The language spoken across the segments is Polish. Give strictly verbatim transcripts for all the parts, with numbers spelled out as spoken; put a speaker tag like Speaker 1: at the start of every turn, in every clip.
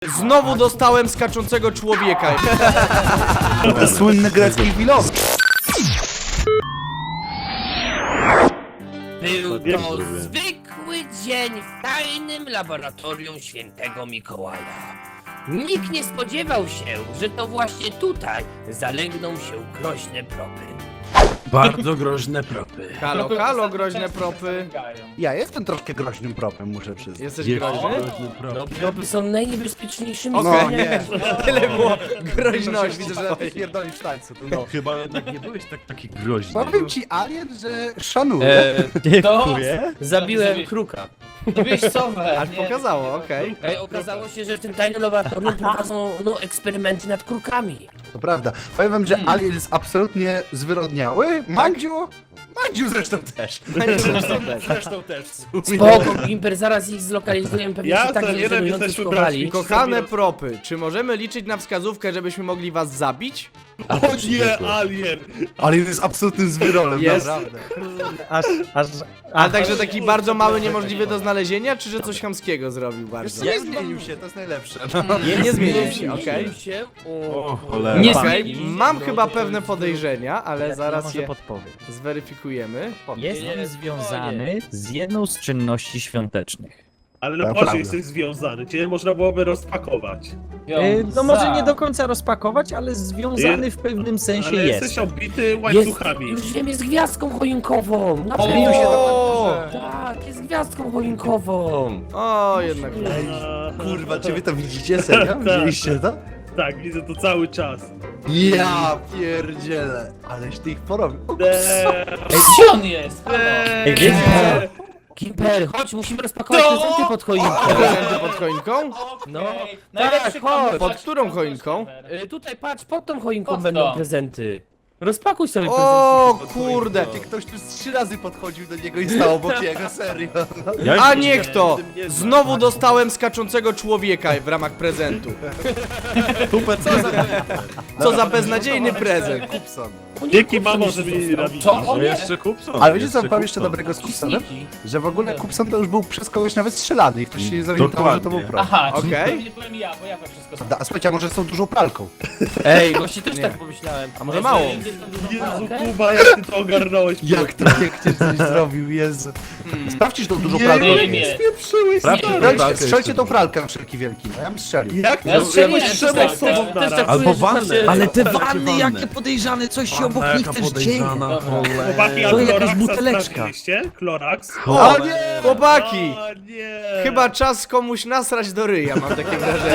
Speaker 1: Znowu dostałem skaczącego człowieka.
Speaker 2: Słynny grecki filozof.
Speaker 3: Był to zwykły dzień w tajnym laboratorium świętego Mikołaja. Nikt nie spodziewał się, że to właśnie tutaj zalegną się groźne propy.
Speaker 4: Bardzo groźne propy.
Speaker 1: Halo, halo, groźne propy.
Speaker 2: Ja jestem troszkę groźnym propem, muszę przyznać.
Speaker 1: Jesteś
Speaker 4: Jest
Speaker 1: groźny?
Speaker 4: groźny
Speaker 3: No,
Speaker 4: prop.
Speaker 3: propy są najniebezpieczniejszymi
Speaker 1: Okej.
Speaker 2: No
Speaker 3: zwierzętami.
Speaker 2: nie.
Speaker 1: Tyle było groźności.
Speaker 2: Widzę, że pierdolisz w tańcu. To no.
Speaker 4: Chyba jednak nie byłeś tak taki groźny.
Speaker 2: Powiem ci, Alien, że szanuję.
Speaker 3: E,
Speaker 5: Dziękuję.
Speaker 3: zabiłem kruka.
Speaker 5: Byłeś sowę.
Speaker 1: Aż pokazało, okej.
Speaker 3: Ej, okazało się, że w tym tajnym laboratorium prowadzą no, eksperymenty nad krukami.
Speaker 2: To prawda. Powiem wam, że Alien jest absolutnie zwyrodniały. Mandziu? Mandziu zresztą też.
Speaker 4: Zresztą też.
Speaker 3: Spoko, Gimper, zaraz ich zlokalizujemy, pewnie
Speaker 6: Ja
Speaker 3: się tak
Speaker 6: to nie wiem,
Speaker 3: żenująco
Speaker 6: jesteśmy
Speaker 3: schowali.
Speaker 6: braćmi.
Speaker 1: Kochane propy, czy możemy liczyć na wskazówkę, żebyśmy mogli was zabić?
Speaker 6: O nie, alien!
Speaker 2: Alien jest absolutnym zwyrolem,
Speaker 1: Jest.
Speaker 2: naprawdę.
Speaker 5: Aż, aż,
Speaker 1: Ale także taki bardzo mały, niemożliwy do znalezienia, czy że coś chamskiego zrobił bardzo?
Speaker 2: Nie zmienił się, to jest najlepsze.
Speaker 1: Nie, nie zmienił się, okej.
Speaker 3: Zmienił się. O,
Speaker 4: O cholera.
Speaker 5: Nie
Speaker 1: Okej,
Speaker 5: zmienił się.
Speaker 1: mam chyba pewne podejrzenia, ale
Speaker 5: ja
Speaker 1: zaraz
Speaker 5: może
Speaker 1: je
Speaker 5: podpowiem.
Speaker 1: zweryfikujemy.
Speaker 5: Jest
Speaker 3: Nie,
Speaker 5: on związany z jedną z czynności świątecznych.
Speaker 6: Ale
Speaker 2: To
Speaker 6: no proszę,
Speaker 2: prawda.
Speaker 6: jesteś związany, cię można byłoby rozpakować.
Speaker 5: E, no może nie do końca rozpakować, ale związany w pewnym sensie
Speaker 6: Ale
Speaker 5: jest.
Speaker 6: jesteś obity
Speaker 3: jest,
Speaker 6: łańcuchami.
Speaker 3: już wiem, jest gwiazdką choinkową. Na
Speaker 1: Zmienił się
Speaker 3: pewno.
Speaker 1: do...
Speaker 3: Tak, jest gwiazdką choinkową.
Speaker 1: O, jednak.
Speaker 6: A,
Speaker 2: Kurwa, czy wy to widzicie, serio? Widzieliście to?
Speaker 6: Tak, widzę to cały czas.
Speaker 2: Ja pierdzielę. Aleś ty ich porobił. O,
Speaker 6: Eee,
Speaker 7: Gdzie on jest?
Speaker 5: Ej, wiecie,
Speaker 6: eee,
Speaker 3: Gimper, chodź, musimy rozpakować prezenty pod choinką.
Speaker 1: Prezenty pod choinką?
Speaker 3: No,
Speaker 7: Najlepszy
Speaker 3: tak, chodź.
Speaker 1: Pod którą choinką?
Speaker 3: Y, tutaj patrz, pod tą choinką
Speaker 7: Pod
Speaker 3: będą
Speaker 7: to.
Speaker 3: prezenty. Rozpakuj sobie
Speaker 1: O
Speaker 3: prezenty.
Speaker 1: kurde!
Speaker 2: Ktoś tu z trzy razy podchodził do niego i stał obok niego, serio.
Speaker 1: A niech to! Znowu dostałem skaczącego człowieka w ramach prezentu.
Speaker 4: Super, co za...
Speaker 1: Co za beznadziejny prezent.
Speaker 2: Kupson.
Speaker 6: Dzięki mamo, że mnie nie
Speaker 7: Co? O
Speaker 4: No
Speaker 7: nie!
Speaker 4: jeszcze Kupson.
Speaker 2: Ale wiecie co,
Speaker 4: jeszcze
Speaker 2: powiem jeszcze
Speaker 4: Kupson.
Speaker 2: dobrego z Kupsonem? Że w ogóle Kupson to już był przez kogoś nawet strzelany i ktoś się zorientował, że to był
Speaker 4: Dokładnie.
Speaker 2: pro.
Speaker 7: Aha,
Speaker 1: Okej.
Speaker 7: okay. Nie powiem ja, bo ja to wszystko
Speaker 2: Prawda, a słuchajcie, a może są dużą pralką?
Speaker 3: Ej, właśnie też
Speaker 1: Nie.
Speaker 3: tak pomyślałem.
Speaker 1: A może mało?
Speaker 6: Jezu, Kuba, jak ty to ogarnąłeś?
Speaker 2: Jak to pięknie coś zrobił, Jezu. Sprawdźcie tą dużą pralkę.
Speaker 7: Nie, nie.
Speaker 6: Spieprzyłeś,
Speaker 4: Sprawdźcie
Speaker 6: stary.
Speaker 4: tę
Speaker 2: Strzelcie,
Speaker 4: pralkę
Speaker 2: strzelcie
Speaker 4: jeszcze.
Speaker 2: tą pralkę na wszelki wielki, no ja bym strzelił.
Speaker 6: Jak
Speaker 7: Ja
Speaker 6: to?
Speaker 7: strzeliłem,
Speaker 6: Jakoś trzema
Speaker 7: tak,
Speaker 6: osobom
Speaker 3: też
Speaker 6: naraz.
Speaker 3: tak
Speaker 4: Albo
Speaker 3: czuję, że
Speaker 4: wannę.
Speaker 3: właśnie-
Speaker 5: ale te
Speaker 4: Dajcie
Speaker 5: wanny,
Speaker 4: wannę.
Speaker 5: jakie podejrzane, coś się obok nich też dzieje.
Speaker 6: Chłopaki, a
Speaker 5: To jakaś
Speaker 6: Cloraxa
Speaker 5: buteleczka.
Speaker 6: sprawdziliście? Clorax?
Speaker 1: O nie! Chłopaki!
Speaker 6: O nie!
Speaker 1: Chyba czas komuś nasrać do ryja, mam takie wrażenie.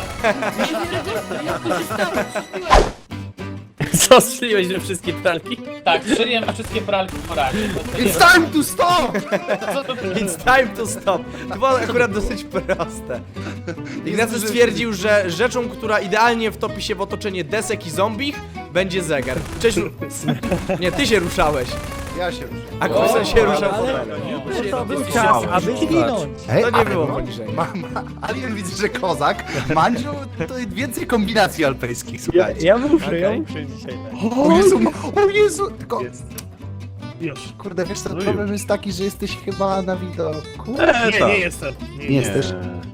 Speaker 3: Co, strzeliłeś we wszystkie pralki?
Speaker 7: Tak, strzeliłem wszystkie pralki po razie.
Speaker 2: It's time to stop!
Speaker 1: It's time to stop. To było akurat dosyć proste. Ignacy stwierdził, że rzeczą, która idealnie wtopi się w otoczenie desek i zombich, będzie zegar. Cześć. Nie, ty się ruszałeś.
Speaker 2: Ja się ruszę.
Speaker 1: A Kupson się ruszał fotelem.
Speaker 5: To był czas, aby zginąć.
Speaker 2: Ej,
Speaker 1: To nie
Speaker 2: ale
Speaker 1: było
Speaker 2: no,
Speaker 1: poniżej.
Speaker 2: Ma, ma, Alien widzę, że kozak. Mandziu to więcej kombinacji alpejskich, słuchajcie.
Speaker 5: Ja muszę,
Speaker 1: Okej.
Speaker 5: ja muszę dzisiaj.
Speaker 2: O Jezu, o Jezu! Tylko,
Speaker 6: Jest. Już.
Speaker 2: kurde, wiesz co,
Speaker 4: No
Speaker 2: problem
Speaker 4: już.
Speaker 2: jest taki, że jesteś chyba na widoku.
Speaker 4: E,
Speaker 6: Nie,
Speaker 4: tak.
Speaker 6: nie jestem. Nie,
Speaker 2: Nie jesteś?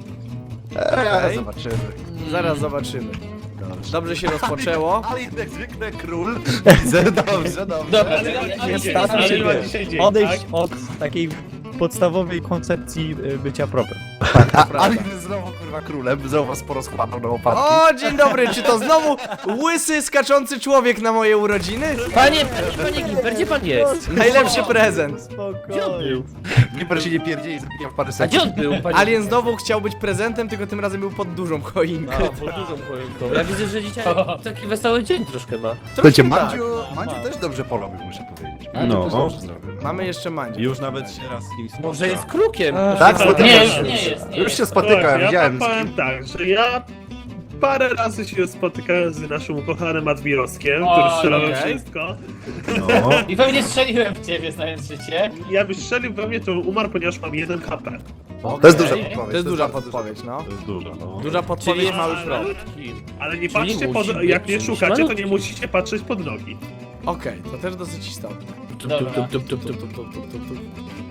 Speaker 2: Eee,
Speaker 1: Okej.
Speaker 2: zobaczymy.
Speaker 1: Zaraz zobaczymy. Dobrze się rozpoczęło.
Speaker 2: Alien jak zwykle król. Widzę, dobrze, dobrze.
Speaker 7: Dobra,
Speaker 6: Ale
Speaker 7: ale, ale,
Speaker 6: dzisiaj
Speaker 7: ale,
Speaker 6: dzień, ale
Speaker 5: się
Speaker 6: ma
Speaker 5: wiesz,
Speaker 6: dzisiaj dzień,
Speaker 5: Odejść
Speaker 6: tak?
Speaker 5: od takiej podstawowej koncepcji y, bycia propem.
Speaker 2: A, Alien jest znowu kurwa królem, znowu was porozkładał na łopatki.
Speaker 1: O, dzień dobry, czy to znowu łysy, skaczący człowiek na moje urodziny?
Speaker 3: Panie, panie, panie Gimper, gdzie pan jest?
Speaker 1: Najlepszy prezent.
Speaker 5: Spokojnie.
Speaker 2: Nie proszę się nie pierdzieli, zabijam w parę
Speaker 3: A
Speaker 2: sekund.
Speaker 3: gdzie on był, panie?
Speaker 1: Alien znowu chciał być prezentem, tylko tym razem był pod dużą choinką.
Speaker 3: A, pod dużą choinką. Ja widzę, że dzisiaj taki wesoły dzień troszkę ma.
Speaker 2: Słuchajcie,
Speaker 1: tak.
Speaker 2: Mandziu, Mandziu też dobrze porobił, muszę powiedzieć.
Speaker 4: No.
Speaker 2: Mandziu też dobrze zrobił.
Speaker 1: Mamy jeszcze Mandzie.
Speaker 4: Już nawet się raz z kim spotkał.
Speaker 3: Może jest krukiem.
Speaker 2: Tak,
Speaker 7: nie,
Speaker 2: spotykam
Speaker 7: jest,
Speaker 2: się.
Speaker 7: nie jest, nie
Speaker 2: Już
Speaker 7: jest.
Speaker 2: się spotykałem,
Speaker 6: Tak, ja
Speaker 2: widziałem z
Speaker 6: powiem
Speaker 2: kim.
Speaker 6: tak, że ja parę razy się spotykałem z naszym ukochanym Admirowskiem,
Speaker 7: O,
Speaker 6: który strzelał we
Speaker 1: okej.
Speaker 6: wszystko.
Speaker 4: No.
Speaker 7: I pewnie strzeliłem w ciebie, znając życie.
Speaker 6: Ja byś strzelił we mnie, to umarł, ponieważ mam jeden H P.
Speaker 2: To jest duża
Speaker 7: Okej.
Speaker 2: podpowiedź.
Speaker 1: To jest duża
Speaker 2: bardzo
Speaker 1: podpowiedź, no.
Speaker 4: To jest dużo, no.
Speaker 1: Duża podpowiedź, mały prop.
Speaker 6: Ale nie
Speaker 3: Czyli
Speaker 6: patrzcie,
Speaker 3: musi
Speaker 6: pod,
Speaker 3: być
Speaker 6: jak nie
Speaker 3: czymś
Speaker 6: szukacie, to nie
Speaker 3: malutkim.
Speaker 6: musicie patrzeć pod nogi.
Speaker 1: Okej, to też dosyć istotne.
Speaker 7: Dobra.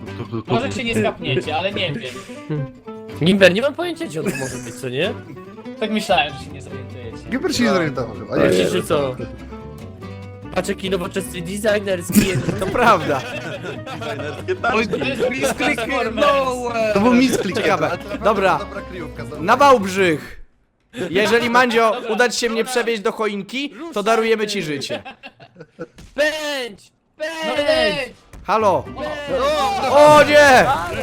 Speaker 7: Może się nie skapniecie, ale nie wiem.
Speaker 3: Gimper, nie mam pojęcia, gdzie on tu może być, co nie?
Speaker 7: Tak myślałem, że się nie zorientujecie.
Speaker 2: Gilbert się nie zorientował. A nie,
Speaker 3: Wiecie, że co? Patrz jaki nowoczesny designerski.
Speaker 1: To prawda.
Speaker 6: Oj,
Speaker 7: To jest
Speaker 6: misklik,
Speaker 7: no
Speaker 2: to był misklik.
Speaker 1: Ciekawe.
Speaker 2: ale to naprawdę
Speaker 1: Dobra.
Speaker 2: Dobra kryjówka. zobacz.
Speaker 1: Na Wałbrzych! Jeżeli, Mandzio, uda ci się mnie przewieźć do choinki, to darujemy ci życie.
Speaker 3: Pędź!
Speaker 7: No
Speaker 3: Pędź!
Speaker 7: ej!
Speaker 1: Halo! O nie!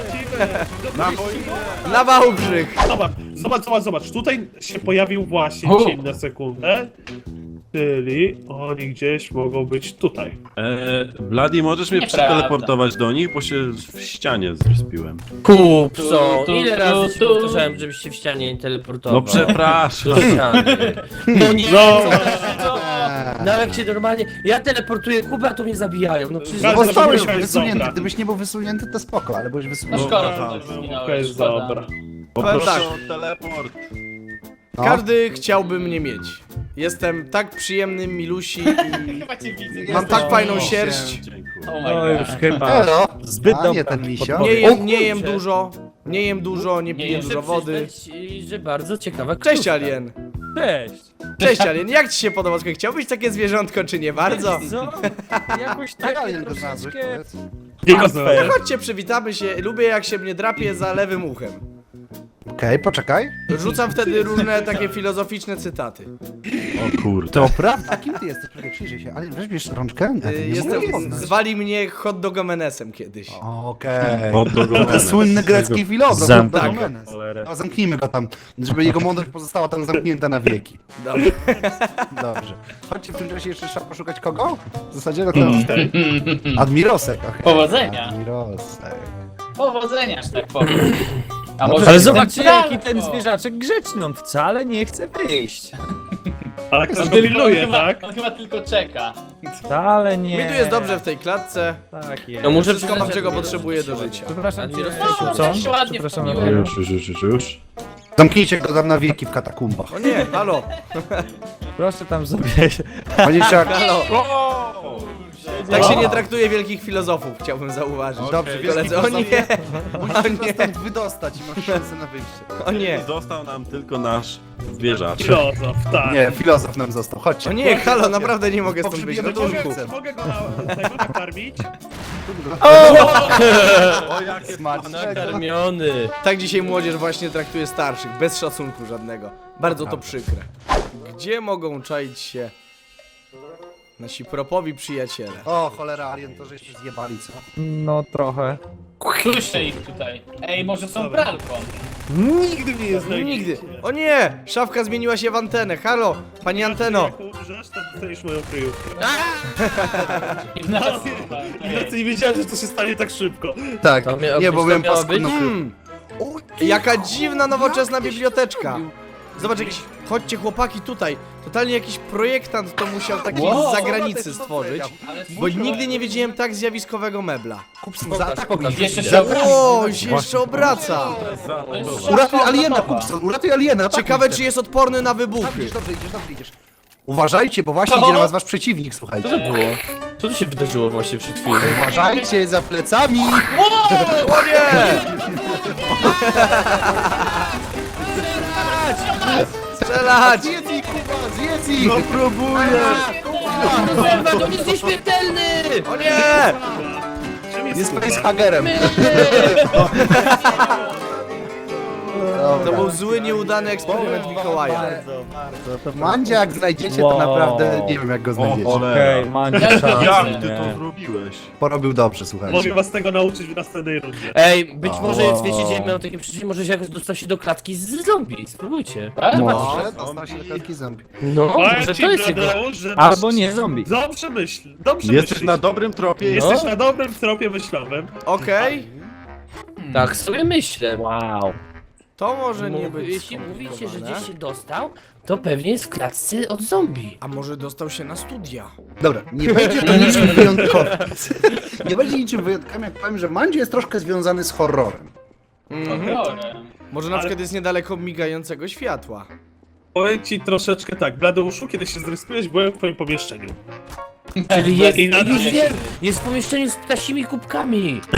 Speaker 1: Na Wałbrzych!
Speaker 6: Zobacz, zobacz, zobacz, zobacz. Tutaj się pojawił właśnie
Speaker 7: O.
Speaker 6: cień na sekundę. Czyli oni gdzieś mogą być tutaj.
Speaker 4: Eee, Bloody, możesz mnie
Speaker 7: Nieprawda.
Speaker 4: przeteleportować do nich, bo się w ścianie zrespiłem.
Speaker 3: Kupco!
Speaker 7: Tu, tu,
Speaker 3: Ile
Speaker 7: tu,
Speaker 3: razy ci
Speaker 7: tu.
Speaker 3: powtarzałem, żebyś się w ścianie nie teleportował?
Speaker 4: No przepraszam.
Speaker 3: Do ściany. No nie,
Speaker 6: No.
Speaker 3: no, no jak się normalnie... Ja teleportuję Kubę, a to mnie zabijają. No przecież...
Speaker 6: No,
Speaker 2: Bo
Speaker 6: Bardzo
Speaker 2: stałeś
Speaker 6: dobra.
Speaker 2: wysunięty. Gdybyś nie był wysunięty, to spoko, ale byłeś
Speaker 7: No
Speaker 2: wysunięty.
Speaker 7: szkoda,
Speaker 4: Aha.
Speaker 7: że to zginąłeś,
Speaker 6: To jest
Speaker 7: szkoda.
Speaker 6: dobra.
Speaker 4: Poproszę
Speaker 1: tak.
Speaker 4: o teleport.
Speaker 2: No.
Speaker 1: Każdy chciałby mnie mieć. Jestem tak przyjemny, milusi i
Speaker 7: Chyba cię widzę.
Speaker 1: mam
Speaker 7: Jesteś-
Speaker 1: tak fajną
Speaker 7: O,
Speaker 1: sierść.
Speaker 7: Oh
Speaker 5: No
Speaker 7: my
Speaker 5: już
Speaker 7: god.
Speaker 5: chyba.
Speaker 2: Elo.
Speaker 5: Zbyt
Speaker 2: A,
Speaker 5: dobra
Speaker 2: nie ten misio.
Speaker 1: Nie
Speaker 3: O
Speaker 1: jem, nie jem
Speaker 3: kurczę.
Speaker 1: dużo, nie jem dużo, nie
Speaker 7: Nie
Speaker 1: piję
Speaker 7: jem.
Speaker 1: dużo wody.
Speaker 3: Przyznać, że bardzo ciekawa
Speaker 1: Cześć
Speaker 3: kryjówka.
Speaker 1: Alien.
Speaker 5: Cześć.
Speaker 1: Cześć Alien, jak ci się podoba? Słuchaj, chciałbyś takie zwierzątko, czy nie bardzo?
Speaker 5: Co? Jakoś
Speaker 2: Tak,
Speaker 5: tak
Speaker 2: ale to znalazłeś,
Speaker 5: troszeczkę...
Speaker 2: powiedz.
Speaker 6: Nie go znalazłem.
Speaker 1: Chodźcie, przywitamy się. Lubię jak się mnie drapie za lewym uchem.
Speaker 2: Okej, poczekaj.
Speaker 1: Rzucam wtedy różne takie filozoficzne cytaty.
Speaker 4: O kurde.
Speaker 2: To prawda. A kim ty jesteś? Czekaj, przyjrzyj się. Ale weźmiesz rączkę? A ty
Speaker 1: Y,
Speaker 2: nie
Speaker 1: Jestem,
Speaker 2: mogę poznać.
Speaker 1: zwali mnie hot dogomenesem kiedyś.
Speaker 2: Okej.
Speaker 4: Od do
Speaker 2: To słynny grecki filozof.
Speaker 5: Zamknij
Speaker 2: Dr.
Speaker 1: go.
Speaker 2: Menes.
Speaker 4: Cholerę.
Speaker 2: No, zamknijmy go tam, żeby jego mądrość pozostała tam zamknięta na wieki.
Speaker 1: Dobra.
Speaker 2: Dobrze. Chodźcie w tym czasie jeszcze trzeba poszukać kogo? W zasadzie no to... Admirosek. okej.
Speaker 7: Powodzenia.
Speaker 2: Admirosek.
Speaker 7: Powodzenia, że tak powiem. A
Speaker 2: No
Speaker 7: może
Speaker 5: Ale
Speaker 7: jestem
Speaker 5: zobaczcie jaki
Speaker 7: pralką?
Speaker 5: ten zwierzaczek grzeczny, on wcale nie chce wyjść.
Speaker 6: Ale ktoś
Speaker 7: On
Speaker 6: go
Speaker 7: tylko,
Speaker 6: pilnuje,
Speaker 7: chyba,
Speaker 6: tak?
Speaker 7: on chyba tylko czeka.
Speaker 5: Wcale nie.
Speaker 1: Mi tu jest dobrze w tej klatce.
Speaker 5: Tak jest.
Speaker 3: No muszę
Speaker 1: Wszystko mam,
Speaker 3: przyznać,
Speaker 1: czego
Speaker 3: że-
Speaker 1: potrzebuję do życia.
Speaker 5: Przepraszam cię,
Speaker 3: O,
Speaker 5: co?
Speaker 7: tak się ładnie
Speaker 5: Przepraszam
Speaker 7: wpoiłem.
Speaker 5: naprawdę.
Speaker 4: Już, już, już, już.
Speaker 2: Zamknijcie go tam na wieki w katakumbach.
Speaker 1: O nie, halo.
Speaker 5: Proszę tam sobie...
Speaker 2: Panie Czak,
Speaker 1: Halo. Tak się nie traktuje wielkich filozofów, chciałbym zauważyć.
Speaker 2: dobrze,
Speaker 1: Koledzy, o nie,
Speaker 2: musisz
Speaker 1: o
Speaker 2: go
Speaker 1: nie,
Speaker 2: stąd wydostać i masz szansę na wyjście.
Speaker 1: o nie.
Speaker 4: Został nam tylko nasz zwierzak.
Speaker 6: Filozof, tak.
Speaker 2: Nie, filozof nam został, chodźcie.
Speaker 1: O nie, halo, naprawdę nie mogę stąd być.
Speaker 2: Pogrzebujemy
Speaker 1: Ratunku.
Speaker 2: księżycem.
Speaker 6: Mogę go na, tego nakarmić?
Speaker 4: O, jakie
Speaker 2: Smacznego.
Speaker 3: Nakarmiony.
Speaker 1: Tak dzisiaj młodzież właśnie traktuje starszych, bez szacunku żadnego. Bardzo to przykre. Gdzie mogą czaić się nasi propowi przyjaciele?
Speaker 2: O, cholera, Alien, to żeście zjebali, co?
Speaker 5: No trochę.
Speaker 7: Słyszę ich tutaj. Ej, może są pralką.
Speaker 6: Nigdy mnie nie znajdziecie.
Speaker 1: Nigdy. O nie! Szafka zmieniła się w antenę. Halo, pani anteno.
Speaker 6: Jak umrzesz, to dostaniesz moją kryjówkę.
Speaker 7: Ignacy,
Speaker 6: Ignacy, nie wiedziałem, że to się stanie tak szybko.
Speaker 2: Tak,
Speaker 3: To miało
Speaker 2: nie,
Speaker 3: być-
Speaker 2: bo
Speaker 3: to
Speaker 2: byłem
Speaker 3: miało
Speaker 2: paskudną
Speaker 3: być?
Speaker 2: kryjówką.
Speaker 1: Hmm. Jaka dziwna, nowoczesna biblioteczka. Zobacz, jakiś... Chodźcie chłopaki tutaj. Totalnie jakiś projektant to musiał taki
Speaker 7: Wow,
Speaker 1: z zagranicy stworzyć.
Speaker 7: Ale
Speaker 1: Bo nigdy nie widziałem tak zjawiskowego mebla.
Speaker 2: Kupson, zaatakuj
Speaker 3: pokaż.
Speaker 2: ich.
Speaker 7: Jeszcze się
Speaker 2: Za-
Speaker 7: obraca.
Speaker 1: O, się jeszcze obraca.
Speaker 2: Uratuj aliena, Kupson, uratuj aliena. atakuj
Speaker 1: Ciekawe,
Speaker 2: ich
Speaker 1: czy jest odporny na
Speaker 2: teraz.
Speaker 1: wybuchy.
Speaker 2: Idziesz, dobrze, idziesz, dobrze, idziesz. Uważajcie, bo właśnie
Speaker 7: Co?
Speaker 2: idzie na was wasz przeciwnik, słuchajcie.
Speaker 3: Co to było? Co tu się wydarzyło właśnie przed chwilą?
Speaker 2: Uważajcie za plecami.
Speaker 1: O nie! Strzelać!
Speaker 2: Zjedz ich, Kuba, zjedz ich.
Speaker 6: No próbuję!
Speaker 3: Kurwa, to jest nieśmiertelny!
Speaker 1: O nie!
Speaker 6: Czym jest
Speaker 2: Jest
Speaker 6: Kuba?
Speaker 2: facehagerem.
Speaker 1: To był zły, nieudany eksperyment Mikołaja.
Speaker 2: Mandzia, jak znajdziecie, to
Speaker 5: Wow.
Speaker 2: naprawdę nie wiem, jak go
Speaker 4: O,
Speaker 2: znajdziecie.
Speaker 4: cholera.
Speaker 5: Okej, Mandzio,
Speaker 7: Jak
Speaker 5: czas.
Speaker 4: Jak ty
Speaker 5: Nie.
Speaker 4: to zrobiłeś?
Speaker 2: Porobił dobrze, słuchajcie.
Speaker 6: Mogę was tego nauczyć w następnej rundzie.
Speaker 3: Ej, być może jest, wiecie, gdzie miał takie przecież może się jakoś dostał się do klatki z zombie. Spróbujcie.
Speaker 2: Może dostał się do klatki zombie.
Speaker 3: No,
Speaker 6: Powiem
Speaker 3: może
Speaker 6: ci,
Speaker 3: to jest jego...
Speaker 6: Bladeusz, że
Speaker 5: Albo nie zombie.
Speaker 6: Dobrze myśl, dobrze
Speaker 4: Jesteś
Speaker 6: myślisz.
Speaker 4: na dobrym tropie.
Speaker 6: Jesteś na dobrym tropie myślowym.
Speaker 1: Okej,
Speaker 3: Tak sobie myślę.
Speaker 5: Wow.
Speaker 1: to może nie
Speaker 3: Mów-
Speaker 1: być
Speaker 3: Jeśli mówicie, że
Speaker 1: skomplikowane.
Speaker 3: gdzieś się dostał, to pewnie jest w klatce od zombie.
Speaker 1: A może dostał się na studia?
Speaker 2: Dobra, nie będzie to niczym wyjątkowym. Nie będzie niczym wyjątkowym, jak powiem, że Mandzio jest troszkę związany z horrorem.
Speaker 1: Mhm.
Speaker 7: Horrorem.
Speaker 1: Może na
Speaker 6: Ale-
Speaker 1: przykład jest niedaleko migającego światła.
Speaker 6: Powiem ci troszeczkę tak, Bladeuszu, kiedy się zryskujesz, byłem w twoim pomieszczeniu.
Speaker 3: Czyli jest,
Speaker 6: I na-
Speaker 3: już wiem, jest w pomieszczeniu z ptasimi kubkami.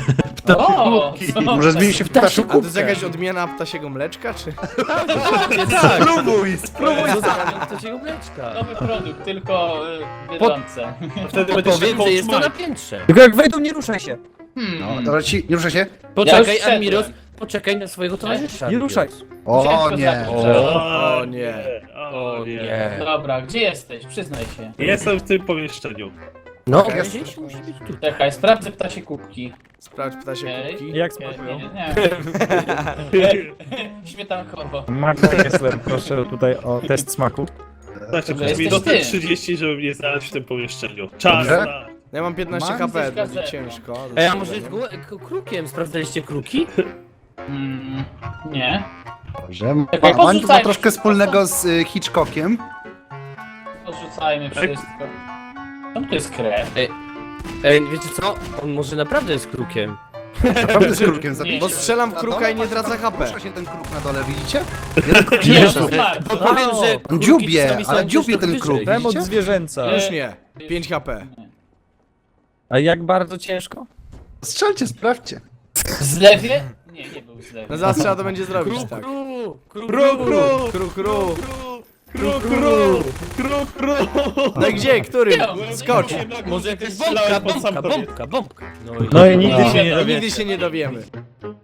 Speaker 7: O, co?
Speaker 2: Może zmieni się w ptasią
Speaker 1: A to jest
Speaker 2: kubkę.
Speaker 1: jakaś odmiana ptasiego mleczka, czy?
Speaker 2: Spróbuj, spróbuj.
Speaker 3: To się mleczka.
Speaker 7: Nowy produkt, tylko y, bieżące.
Speaker 6: Wtedy będzie się
Speaker 3: Powiem, że jest to
Speaker 6: coach
Speaker 3: na
Speaker 6: Mike.
Speaker 3: piętrze.
Speaker 5: Tylko jak wejdą, nie ruszaj się.
Speaker 7: Hmm.
Speaker 2: Dobra, ci, nie ruszę się?
Speaker 3: Poczekaj,
Speaker 7: wszedłem.
Speaker 3: Admiros, poczekaj na swojego towarzysza.
Speaker 5: Nie ruszaj.
Speaker 2: O
Speaker 7: Ciężko
Speaker 2: nie.
Speaker 7: zacząć.
Speaker 1: O nie.
Speaker 6: O nie.
Speaker 3: nie.
Speaker 7: Dobra, gdzie jesteś? Przyznaj się.
Speaker 6: Jestem w tym pomieszczeniu.
Speaker 3: No,
Speaker 2: Jest.
Speaker 3: gdzieś musi być tu.
Speaker 7: Czekaj, sprawdzę ptasie kubki.
Speaker 1: Sprawdź ptasie
Speaker 7: Okej.
Speaker 1: kubki.
Speaker 5: Jak
Speaker 7: Nie,
Speaker 5: smakują?
Speaker 7: nie, nie. Śmietankowo.
Speaker 5: Magda Kessler, proszę tutaj o test smaku.
Speaker 6: Znaczy,
Speaker 7: Dobra,
Speaker 6: przez
Speaker 7: jesteś
Speaker 6: minutę
Speaker 7: ty.
Speaker 6: trzydzieści, żeby mnie znaleźć w tym pomieszczeniu. Czas
Speaker 2: Dobrze.
Speaker 6: na...
Speaker 1: Ja mam piętnaście
Speaker 2: Mam
Speaker 1: HP,
Speaker 7: coś
Speaker 1: będzie
Speaker 7: gazetą.
Speaker 1: ciężko.
Speaker 3: Ej, a może jest gło- k- krukiem? Sprawdzaliście kruki?
Speaker 7: Mm, nie.
Speaker 2: Dobrze.
Speaker 7: Czekaj,
Speaker 2: Ma- Mandziu ma
Speaker 7: podrzucajmy
Speaker 2: troszkę
Speaker 7: się.
Speaker 2: wspólnego z y, Hitchcockiem.
Speaker 7: Odrzucajmy wszystko. Czemu to jest krew?
Speaker 3: Ej, wiecie co? On może naprawdę jest krukiem.
Speaker 2: Naprawdę z krukiem
Speaker 7: Nie.
Speaker 2: zabić.
Speaker 1: Bo strzelam w kruka i nie tracę H P.
Speaker 2: Rusza się ten kruk na dole, widzicie? Jeden kruk się
Speaker 7: Nie,
Speaker 2: rusza.
Speaker 7: on zmarł.
Speaker 3: Bo powiem, że
Speaker 2: On
Speaker 3: kruki
Speaker 2: dziubie,
Speaker 3: czasami są
Speaker 2: ale
Speaker 3: gdzieś
Speaker 2: dziubie
Speaker 3: trochę
Speaker 2: ten kruk.
Speaker 3: wyżej.
Speaker 5: Przemoc
Speaker 2: Widzicie?
Speaker 5: zwierzęca.
Speaker 1: Już nie. pięć H P.
Speaker 5: A jak bardzo ciężko?
Speaker 2: Strzelcie, sprawdźcie.
Speaker 7: W zlewie? Nie, nie był w zlewie.
Speaker 1: No zaraz trzeba to będzie zrobić,
Speaker 3: Kru,
Speaker 1: tak.
Speaker 3: kru, kru,
Speaker 6: Kru, kru,
Speaker 1: Kru, kru.
Speaker 6: kru, kru, kru, kru.
Speaker 1: No i gdzie? Który? Skocz.
Speaker 3: Może jakaś
Speaker 6: Strzelałem
Speaker 3: bombka,
Speaker 6: pod sam
Speaker 3: bombka,
Speaker 6: koniec.
Speaker 3: bombka, bombka.
Speaker 5: No i nigdy
Speaker 7: No.
Speaker 5: się nie
Speaker 1: No,
Speaker 5: dowiecie.
Speaker 1: nigdy się nie dowiemy.